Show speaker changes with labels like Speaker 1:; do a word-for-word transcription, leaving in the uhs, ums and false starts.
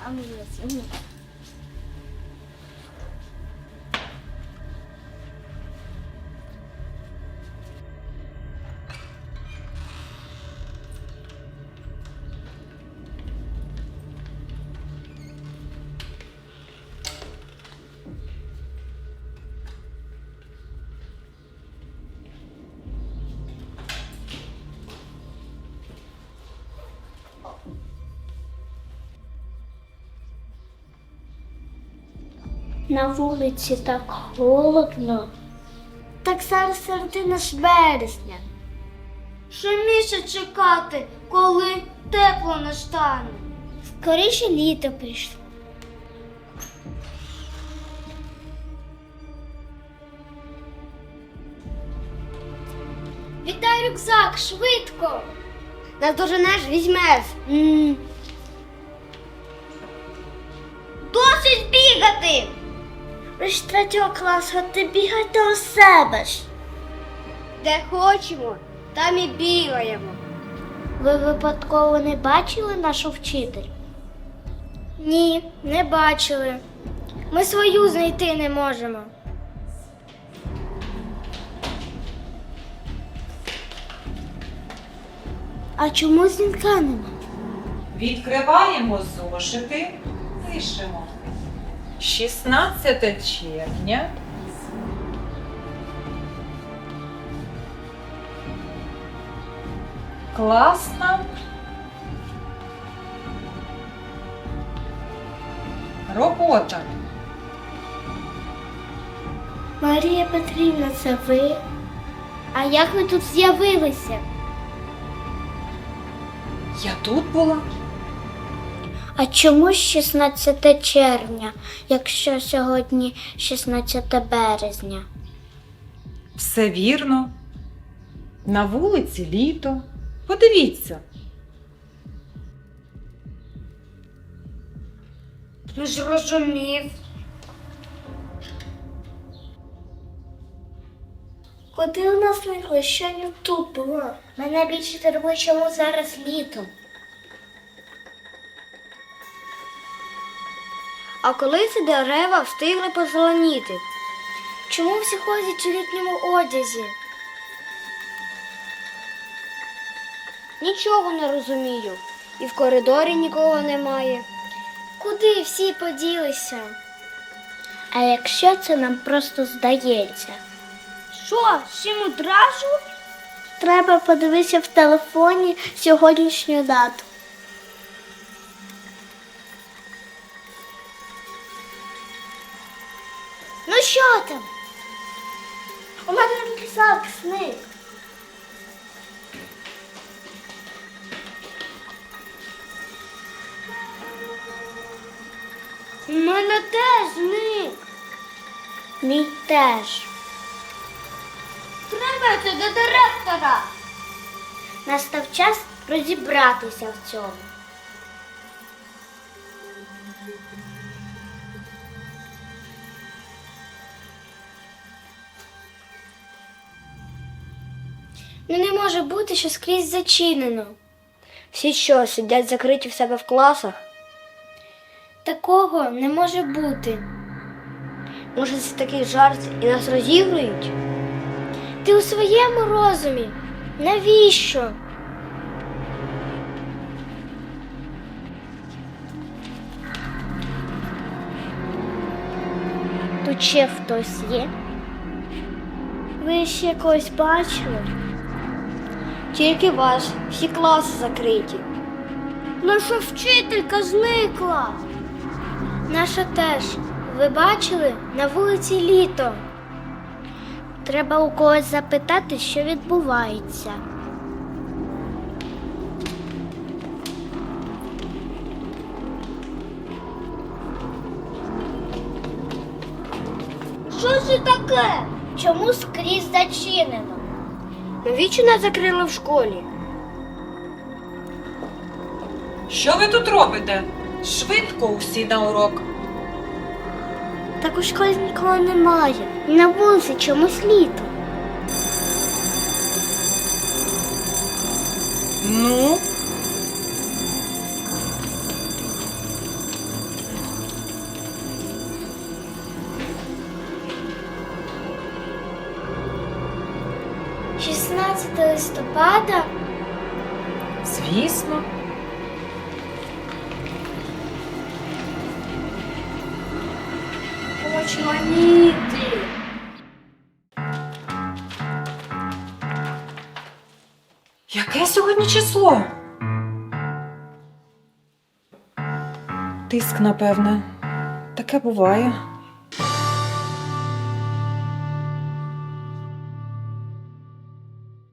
Speaker 1: А ну, ну. На вулиці так холодно. Так зараз середина ж вересня. Що місяць чекати, коли тепло настане? Скоріше літо прийшло. Віддай рюкзак, швидко. Наздоженеш, візьмеш. Mm. Досить бігати! Ви ж третього класу, а ти бігайте у себе ж. Де хочемо, там і бігаємо. Ви випадково не бачили нашу вчитель? Ні, не бачили. Ми свою знайти не можемо. А чому дзвінка нема?
Speaker 2: Відкриваємо зошити, пишемо. шістнадцяте червня. Класна робота.
Speaker 1: Марія Петрівна, це ви? А як ви тут з'явилися?
Speaker 2: Я тут була.
Speaker 1: А чому шістнадцяте червня, якщо сьогодні шістнадцяте березня?
Speaker 2: Все вірно. На вулиці літо. Подивіться.
Speaker 1: Не зрозумів. Куди у нас зникли? Що не тут було? Мене більше турбує, чому зараз літо. А коли ці дерева встигли позеленіти? Чому всі ходять у літньому одязі? Нічого не розумію. І в коридорі нікого немає. Куди всі поділися? А якщо це нам просто здається? Що, всім одразу? Треба подивитися в телефоні сьогоднішню дату. Ну що там? У мене рюкзак зник. У мене теж зник. Мій теж. Треба це до директора. Настав час розібратися в цьому. Ну не може бути, що скрізь зачинено. Всі що, сидять закриті в себе в класах? Такого не може бути. Може, це такий жарт і нас розігрують? Ти у своєму розумі? Навіщо? Тут ще хтось є? Ви ще когось бачили? Тільки вас, всі класи закриті. Наша вчителька зникла. Наша теж. Ви бачили? На вулиці літо. Треба у когось запитати, що відбувається. Що це таке? Чому скрізь зачинено? Навіщо нас закрили в школі?
Speaker 2: Що ви тут робите? Швидко усі на урок.
Speaker 1: Так у школі нікого немає. На вулиці чомусь літо.
Speaker 2: Ну?
Speaker 1: шістнадцятого листопада?
Speaker 2: Звісно.
Speaker 1: Очманіти.
Speaker 2: Яке сьогодні число? Тиск, напевне. Таке буває.